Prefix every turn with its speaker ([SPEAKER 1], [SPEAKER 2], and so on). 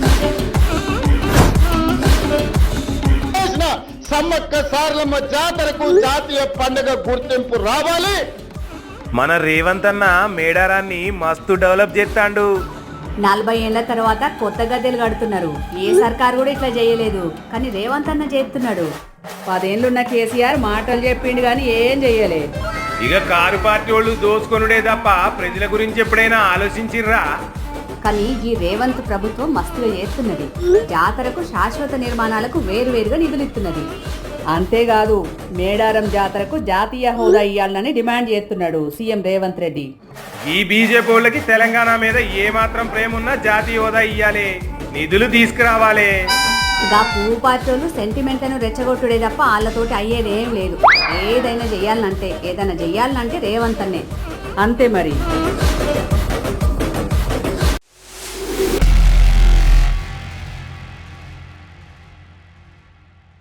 [SPEAKER 1] సమ్మక్క సారలమ్మ జాతరకు జాతీయ పండుగ గుర్తింపు రావాలి.
[SPEAKER 2] మన రేవంత్ అన్న మేడారాన్ని మస్తు డెవలప్ చేస్తాండు.
[SPEAKER 3] 40 ఏళ్ల తర్వాత కొత్త గద్దెలు కడుతున్నారు. ఏ సర్కారు కూడా ఇట్లా చేయలేదు, కానీ రేవంత్ అన్న చేస్తున్నాడు. 10 ఏళ్ళున్న కేసీఆర్ మాటలు చెప్పిండు కానీ ఏం చెయ్యలే.
[SPEAKER 2] ఇక కారు పార్టీ వాళ్ళు దోచుకొనుడే తప్ప ప్రజల గురించి ఎప్పుడైనా ఆలోచించిర్రా?
[SPEAKER 3] కానీ ఈ రేవంత్ ప్రభుత్వం మస్తుగా చేస్తున్నది. జాతరకు శాశ్వత నిర్మాణాలకు వేరువేరుగా నిధులు ఇస్తున్నది. అంతేకాదు మేడారం జాతరకు జాతీయ హోదా ఇయ్యాలని డిమాండ్ చేస్తున్నాడు సీఎం రేవంత్ రెడ్డి.
[SPEAKER 2] ఈ బీజేపీ వాళ్ళకి తెలంగాణ మీద ఏ మాత్రం ప్రేమ ఉన్నా జాతీయ హోదా ఇయ్యాలి, నిధులు తీసుకురావాలి.
[SPEAKER 3] ఇక పువ్వు పార్టీలు సెంటిమెంట్లను రెచ్చగొట్టుడే తప్ప వాళ్ళతోటి అయ్యేదేం లేదు. ఏదైనా చెయ్యాలంటే రేవంత్ అన్నే. అంతే మరి.